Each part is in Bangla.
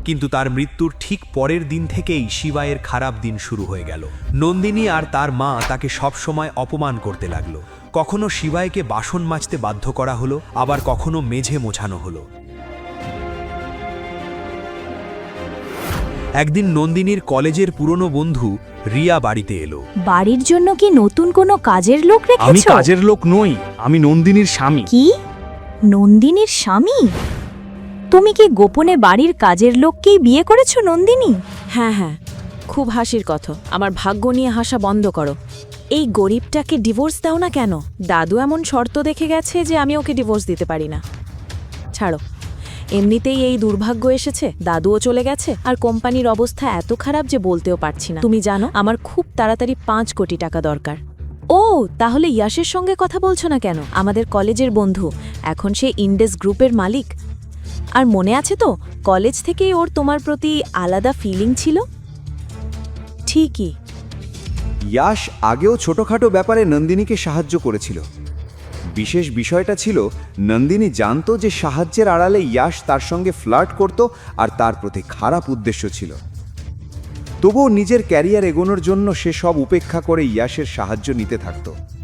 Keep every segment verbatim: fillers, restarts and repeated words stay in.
কিন্তু তার মৃত্যুর ঠিক পরের দিন থেকেই শিবায়ের খারাপ দিন শুরু হয়ে গেল। নন্দিনী আর তার মা তাকে সবসময় অপমান করতে লাগলো। কখনো শিবায়কে বাসন মাজতে বাধ্য করা হলো, আবার কখনো মেঝে মোছানো হলো। একদিন নন্দিনীর কলেজের পুরনো বন্ধু রিয়া বাড়িতে এলো। বাড়ির জন্য কি নতুন কোনো কাজের লোক রেখেছো? আমি কাজের লোক নই, আমি নন্দিনীর স্বামী। কি? নন্দিনীর স্বামী? তুমি কি গোপনে বাড়ির কাজের লোককেই বিয়ে করেছো নন্দিনী? হ্যাঁ হ্যাঁ, খুব হাসির কথা। আমার ভাগ্য নিয়ে হাসা বন্ধ করো। এই গরিবটাকে ডিভোর্স দাও না কেন? দাদু এমন শর্ত দেখে গেছে যে আমি ওকে ডিভোর্স দিতে পারি না। ছাড়ো, এমনিতেই এই দুর্ভাগ্য এসেছে, দাদুও চলে গেছে, আর কোম্পানির অবস্থা এত খারাপ যে বলতেও পারছি না। তুমি জানো আমার খুব তাড়াতাড়ি পাঁচ কোটি টাকা দরকার। ও, তাহলে ইয়াশের সঙ্গে কথা বলছো না কেন? আমাদের কলেজের বন্ধু, এখন সে ইন্ডেস গ্রুপের মালিক। আর মনে আছে তো, কলেজ থেকেই ওর তোমার প্রতি আলাদা ফিলিং ছিল। ঠিকই। ইয়াশ আগেও ছোটখাটো ব্যাপারে নন্দিনীকে সাহায্য করেছিল। বিশেষ বিষয়টা ছিল, নন্দিনী জানতো যে সাহায্যের আড়ালে ইয়াশ তার সঙ্গে ফ্লার্ট করত আর তার প্রতি খারাপ উদ্দেশ্য ছিল। তবুও নিজের ক্যারিয়ার এগোনোর জন্য সে সব উপেক্ষা করে ইয়াশের সাহায্য নিতে থাকত।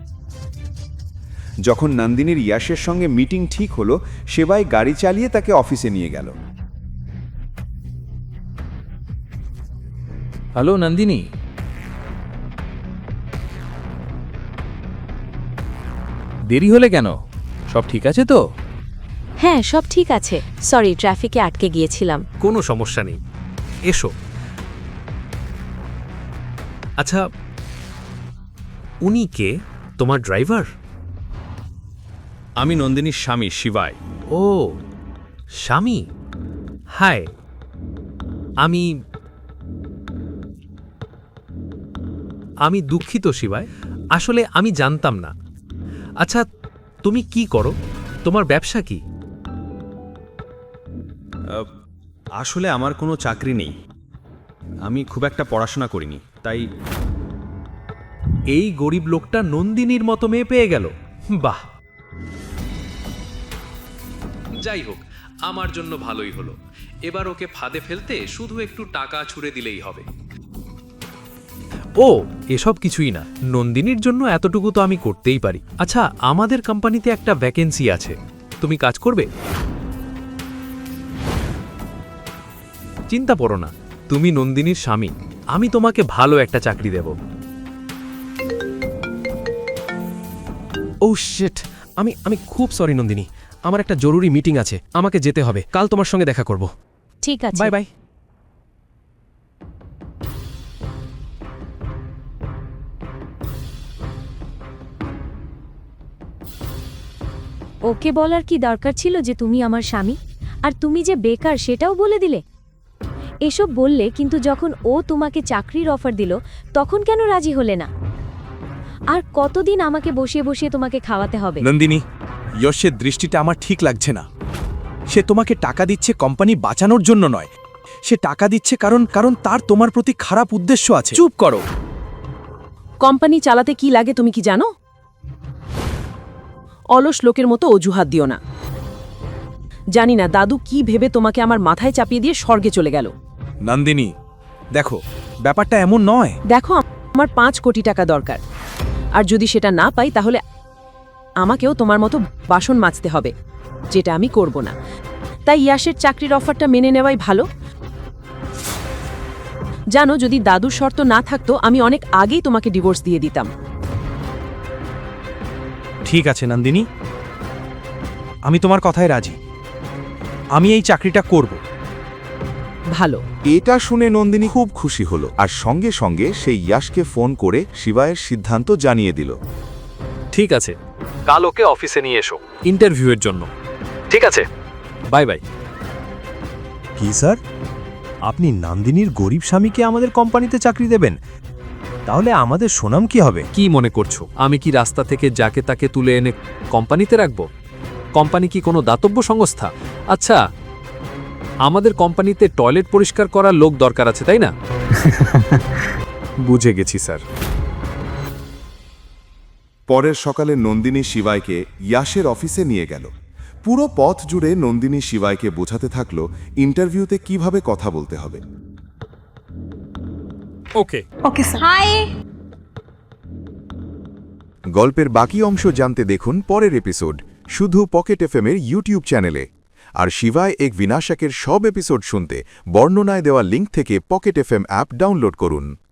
যখন নন্দিনীর ইয়াশের সঙ্গে মিটিং ঠিক হলো, সেবাই গাড়ি চালিয়ে তাকে অফিসে নিয়ে গেল। হ্যালো নন্দিনী, দেরি হলে কেন? সব ঠিক আছে তো? হ্যাঁ, সব ঠিক আছে। সরি, ট্রাফিকে আটকে গিয়েছিলাম। কোনো সমস্যা নেই, এসো। আচ্ছা, উনি কে? তোমার ড্রাইভার? আমি নন্দিনীর স্বামী শিবাই। ও, স্বামী। হাই, আমি আমি দুঃখিত শিবাই, আসলে আমি জানতাম না। আচ্ছা, তুমি কি করো? তোমার ব্যবসা কি? আসলে আমার কোনো চাকরি নেই, আমি খুব একটা পড়াশোনা করিনি, তাই। এই গরিব লোকটা নন্দিনীর মতো মেয়ে পেয়ে গেল। বাহ, যাই হোক, আমার জন্য ভালোই হলো। এবার ওকে ফাঁদে ফেলতে শুধু একটু টাকা ছুঁড়ে দিলেই হবে। ও, এসব কিছুই না, নন্দিনীর জন্য এতটুকু তো আমি করতেই পারি। আচ্ছা, আমাদের কোম্পানিতে একটা ভ্যাকেন্সি আছে, তুমি কাজ করবে? চিন্তা করো না, তুমি নন্দিনীর স্বামী, আমি তোমাকে ভালো একটা চাকরি দেব। ও শিট, আমি আমি খুব সরি নন্দিনী, আমার একটা জরুরি মিটিং আছে, আমাকে যেতে হবে। কাল তোমার সঙ্গে দেখা করব। ঠিক আছে, বাই বাই। ওকে বলার কি দরকার ছিল যে তুমি আমার স্বামী, আর তুমি যে বেকার সেটাও বলে দিলে? এসব বললে, কিন্তু যখন ও তোমাকে চাকরির অফার দিল তখন কেন রাজি হলে না? আর কতদিন আমাকে বসিয়ে বসিয়ে তোমাকে খাওয়াতে হবে? নন্দিনী, যশের দৃষ্টিটা আমার ঠিক লাগছে না। সে তোমাকে টাকা দিচ্ছে কোম্পানি বাঁচানোর জন্য নয়, সে টাকা দিচ্ছে কারণ কারণ তার তোমার প্রতি খারাপ উদ্দেশ্য আছে। চুপ করো। কোম্পানি চালাতে কি লাগে তুমি কি জানো? অলস লোকের মতো অজুহাত দিও না। জানি না দাদু কি ভেবে তোমাকে আমার মাথায় চাপিয়ে দিয়ে স্বর্গে চলে গেল। নন্দিনী, দেখো, ব্যাপারটা এমন নয়। দেখো, আমার পাঁচ কোটি টাকা দরকার, আর যদি সেটা না পাই তাহলে আমাকেও তোমার মতো বাসন মাজতে হবে, যেটা আমি করব না। তাই ইয়াশের চাকরির অফারটা মেনে নেওয়াই ভালো। জানো, যদি দাদুর শর্ত না থাকতো আমি অনেক আগেই তোমাকে ডিভোর্স দিয়ে দিতাম। ঠিক আছে নন্দিনী, আমি তোমার কথায় রাজি। আমি এই চাকরিটা করব। ভালো। এটা শুনে নন্দিনী খুব খুশি হলো আর সঙ্গে সঙ্গে সেই ইয়াশকে ফোন করে শিবায়ের সিদ্ধান্ত জানিয়ে দিল। ঠিক আছে, কাল ওকে অফিসে নিয়ে এসো ইন্টারভিউয়ের জন্য। ঠিক আছে, বাই বাই। কি স্যার, আপনি নন্দিনীর গরিব স্বামীকে আমাদের কোম্পানিতে চাকরি দেবেন? তাহলে আমাদের সুনাম কি হবে? কি মনে করছো আমি কি রাস্তা থেকে যাকে তাকে তুলে এনে কোম্পানিতে রাখবো? কোম্পানি কি কোনো দাতব্য সংস্থা? আচ্ছা, আমাদের কোম্পানিতে টয়লেট পরিষ্কার করার লোক দরকার আছে, তাই না? বুঝে গেছি স্যার। পরের সকালে নন্দিনী শিবাইকে ইয়াশের অফিসে নিয়ে গেল। পুরো পথ জুড়ে নন্দিনী শিবাইকে বোঝাতে থাকলো ইন্টারভিউতে কিভাবে কথা বলতে হবে। ওকে গল্পের বাকি অংশ জানতে দেখুন পরের এপিসোড শুধু পকেট এফএম-এর ইউটিউব চ্যানেলে। আর শিবায় এক বিনাশকের সব এপিসোড শুনতে বর্ণনায় দেওয়া লিঙ্ক থেকে পকেট এফএম অ্যাপ ডাউনলোড করুন।